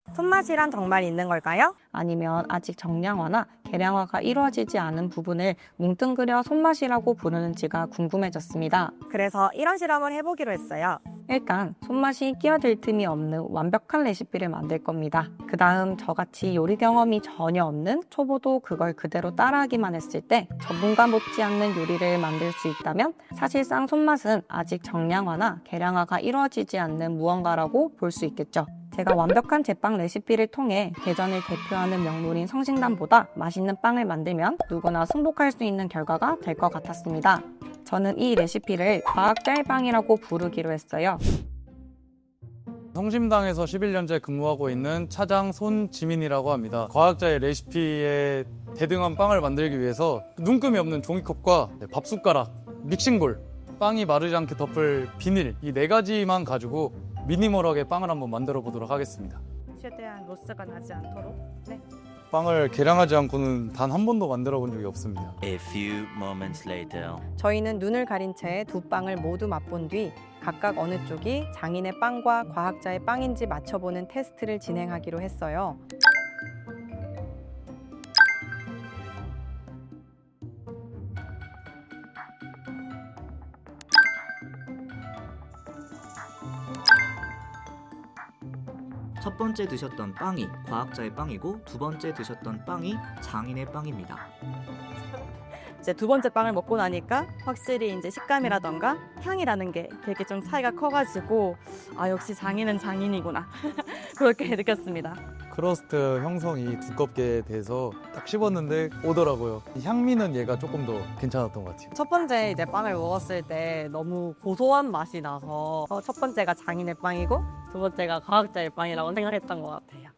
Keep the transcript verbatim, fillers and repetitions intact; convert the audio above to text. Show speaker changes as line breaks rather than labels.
손맛이란 정말 있는 걸까요?
아니면 아직 정량화나 계량화가 이루어지지 않은 부분을 뭉뚱그려 손맛이라고 부르는지가 궁금해졌습니다.
그래서 이런 실험을 해보기로 했어요.
일단 손맛이 끼어들 틈이 없는 완벽한 레시피를 만들 겁니다. 그 다음 저같이 요리 경험이 전혀 없는 초보도 그걸 그대로 따라하기만 했을 때 전문가 못지않는 요리를 만들 수 있다면 사실상 손맛은 아직 정량화나 계량화가 이루어지지 않는 무언가라고 볼 수 있겠죠. 제가 완벽한 제빵 레시피를 통해 대전을 대표하는 명물인 성심당보다 맛있는 빵을 만들면 누구나 승복할 수 있는 결과가 될 것 같았습니다. 저는 이 레시피를 과학자의 빵이라고 부르기로 했어요.
성심당에서 십일 년째 근무하고 있는 차장 손지민이라고 합니다. 과학자의 레시피에 대등한 빵을 만들기 위해서 눈금이 없는 종이컵과 밥숟가락, 믹싱볼, 빵이 마르지 않게 덮을 비닐 이 네 가지만 가지고 미니멀하게 빵을 한번 만들어 보도록 하겠습니다.
최대한 로스가 나지 않도록. 네.
빵을 계량하지 않고는 단 한 번도 만들어 본 적이 없습니다.
A few moments later.
저희는 눈을 가린 채 두 빵을 모두 맛본 뒤 각각 어느 쪽이 장인의 빵과 과학자의 빵인지 맞춰보는 테스트를 진행하기로 했어요.
첫 번째 드셨던 빵이 과학자의 빵이고 두 번째 드셨던 빵이 장인의 빵입니다.
이제 두 번째 빵을 먹고 나니까 확실히 이제 식감이라던가 향이라는 게 되게 좀 차이가 커가지고 아 역시 장인은 장인이구나 그렇게 느꼈습니다.
크러스트 형성이 두껍게 돼서 딱 씹었는데 오더라고요. 향미는 얘가 조금 더 괜찮았던 것 같아요.
첫 번째 이제 빵을 먹었을 때 너무 고소한 맛이 나서 어, 첫 번째가 장인의 빵이고 두 번째가 과학자의 빵이라고 생각했던 것 같아요.